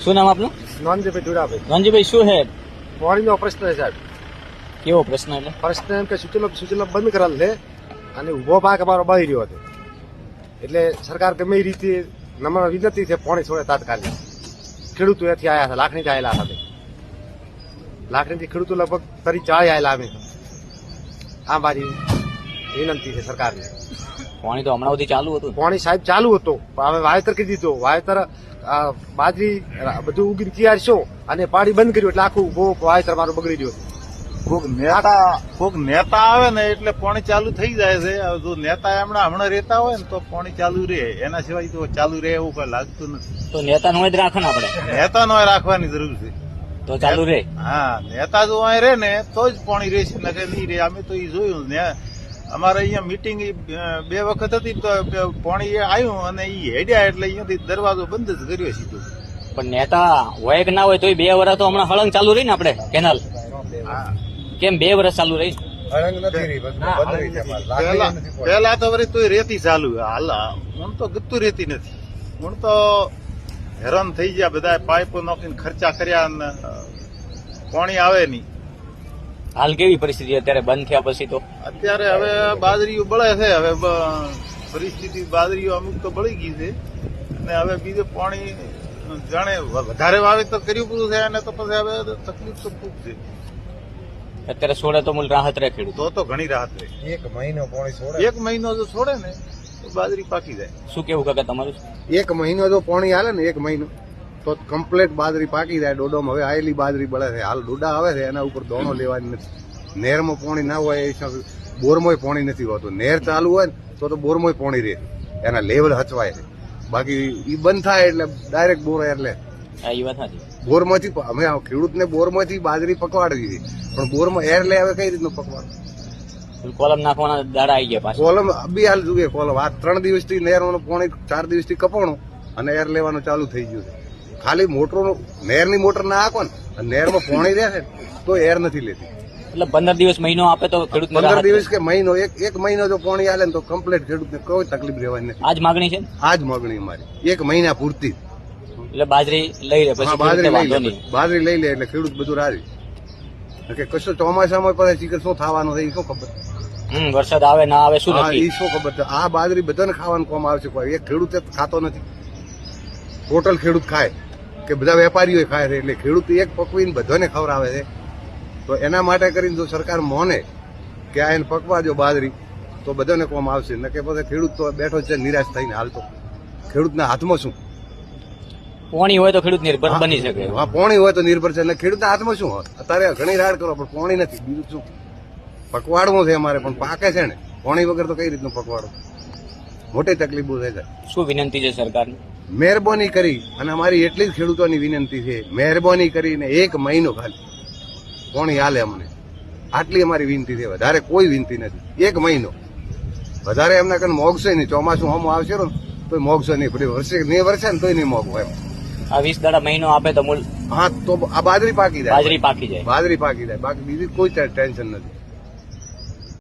શું નામ આપનું? નોંધજીભાઈ દુરાભાઈ. રણજીભાઈ, શું હે પાણીનો પ્રશ્ન છે સાહેબ. કેવો પ્રશ્ન? એટલે પ્રશ્ન એમ કે સૂચનો બંધ કરેલ છે અને ઉભો પાક અમારો બળી રહ્યો હતો. એટલે સરકાર ગમે એ રીતે નમ્ર વિનંતી છે પાણી છોડે તાત્કાલિક. ખેડૂતો એથી આવ્યા હતા, લાખણીથી આવેલા હતા. લાખણીથી ખેડૂતો લગભગ 40 આવેલા અમે. આ મારી વિનંતી છે સરકારને. પાણી તો હમણાં સુધી ચાલુ હતું. પાણી સાહેબ ચાલુ હતું, હવે વાવેતર કરી દીધું. વાવેતર બાજરી બધું ઉગીને તૈયાર છો અને પાણી બંધ કર્યું એટલે આખું બહુ વાવેતર મારું બગડી ગયું. કોક નેતા આવે ને એટલે પાણી ચાલુ થઈ જાય છે. જો નેતા હમણાં રહેતા હોય ને તો પાણી ચાલુ રહે, એના સિવાય તો ચાલુ રહે એવું કઈ લાગતું નથી. તો નેતા નો જ રાખો ને આપણે. નેતા નો રાખવાની જરૂર છે તો ચાલુ રહે. હા, નેતા જો અહીં રહે ને તો જ પાણી રહેશે, નકે નહીં રહે. અમે તો એ જોયું ને, અમારે અહીંયા મીટિંગ 2 વખત હતી તો પાણી આવ્યું અને એ હેડ્યા એટલે અહીંયાથી દરવાજો બંધ જ કર્યો સીધો. પણ નેતા હોય કે ના હોય તો 2 વર્ષ તો હમણાં હળંગ ચાલુ રહી ને આપણે કેનાલ. કેમ 2 વર્ષ ચાલુ રહી? પેલા તો વળી તોય રેતી ચાલુ. હાલ હું તો ગતું રેતી નથી. હું તો હેરાન થઈ ગયા. બધા પાઇપો નાખીને ખર્ચા કર્યા અને પાણી આવે નહીં. હાલ કેવી પરિસ્થિતિ અત્યારે બંધ થયા પછી? તો અત્યારે હવે બાજરીઓ બળે છે. હવે પરિસ્થિતિ બાજરીઓ અમુક તો બળી ગઈ છે અને હવે બીજું પાણી જાણે વધારે વાવેતર કર્યું પૂરું થાય અને તો પછી હવે તકલીફ તો ખૂબ છે. અત્યારે છોડે તો મૂળ રાહત રહે ખેડૂત. તો ઘણી રાહત રહે. 1 મહિનો પાણી છોડે. 1 મહિનો જો છોડે ને તો બાજરી પાકી જાય. શું કેવું કાકા તમારું? 1 મહિનો જો પાણી હાલે ને 1 મહિનો તો કમ્પ્લીટ બાજરી પાકી જાય. ડોડોમાં હવે આયેલી બાજરી બળે છે. હાલ ડોડા આવે છે એના ઉપર દોણો લેવાની નથી. નહેરમાં પાણી ના હોય એ હિસાબે બોરમાંય પાણી નથી હોતું. નહેર ચાલુ હોય ને તો બોરમાંય પાણી રહે, એના લેવલ હચવાય છે. બાકી એ બંધ થાય એટલે ડાયરેક્ટ બોર એટલે એ વાત નથી. બોરમાંથી અમે ખેડૂતને બોરમાંથી બાજરી પકવાડી દીધી, પણ બોરમાં એર લે હવે કઈ રીતનું પકવાડ? કોલમ નાખવાના દાડા આવી ગયા પાછા. કોલમ બી હાલ જોઈએ. કોલમ આ 3 દિવસથી નહેરનું પાણી 4 દિવસથી કપાણું અને એર લેવાનું ચાલુ થઈ ગયું છે. ખાલી મોટરનું નહેરની મોટર ના આખો ને નહેરમાં પાણી રહે છે તો એર નથી લેતી. એટલે 15 દિવસ મહિનો આપે તો ખેડૂત 15 દિવસ કે મહિનો, એક મહિનો જો પાણી હાલે ને તો કમ્પ્લીટ ખેડૂતને કોઈ તકલીફ રહેવાની નથી. આજ માગણી છે. આજ માગણી અમારી 1 મહિના પૂરતી. એટલે બાજરી લઈ લે પછી બાજરી લઈ લે એટલે ખેડૂત બધું રાજી. કે કશું ચોમાસામાં પછી ચીકર શું થવાનું છે એ શું ખબર? વરસાદ આવે ના આવે શું એ નક્કી? શું ખબર છે? આ બાજરી બધાને ખાવાનું કોમ આવશે. કોઈ એક ખેડૂત ખાતો નથી. ટોટલ ખેડૂત ખાય કે બધા વેપારીઓ ખાય છે. એટલે ખેડૂત એક પકવીને બધાને ખવડાવે છે. તો એના માટે કરીને જો સરકાર મોને કે આ એને પકવા જો બાજરી તો બધાને કોમ આવશે. ન કે પછી ખેડૂત તો બેઠો છે નિરાશ થઈને. હાલ તો ખેડૂતના હાથમાં શું? પાણી હોય તો ખેડૂત નિર્ભર બની શકે. હા, પાણી હોય તો નિર્ભર છે. એટલે ખેડૂતના હાથમાં શું હોય? અત્યારે ઘણી રાડ કરો પણ પાણી નથી. બીજું શું? પકવાડવું છે અમારે પણ પાકે છે ને. પાણી વગર તો કઈ રીતનું પકવાડો? મોટી તકલીફો થાય છે. શું વિનંતી છે સરકારની? મહેરબાની કરી અને અમારી એટલી જ ખેડૂતોની વિનંતી છે, મહેરબાની કરીને 1 મહિનો ખાલી પાણી હાલે અમને. આટલી અમારી વિનંતી છે. વધારે કોઈ વિનંતી નથી. 1 મહિનો વધારે એમના કને મોગશે નહીં. ચોમાસું હમ આવશે ને તો મોગશે નહીં. પછી વર્ષે ને તોય નહીં મોગવું એમ. આ 20 દાડા મહિનો આપે તો મૂળ. હા, તો આ બાજરી પાકી જાય. બાજરી પાકી જાય. બાજરી પાકી જાય. બાકી બીજી કોઈ ટેન્શન નથી.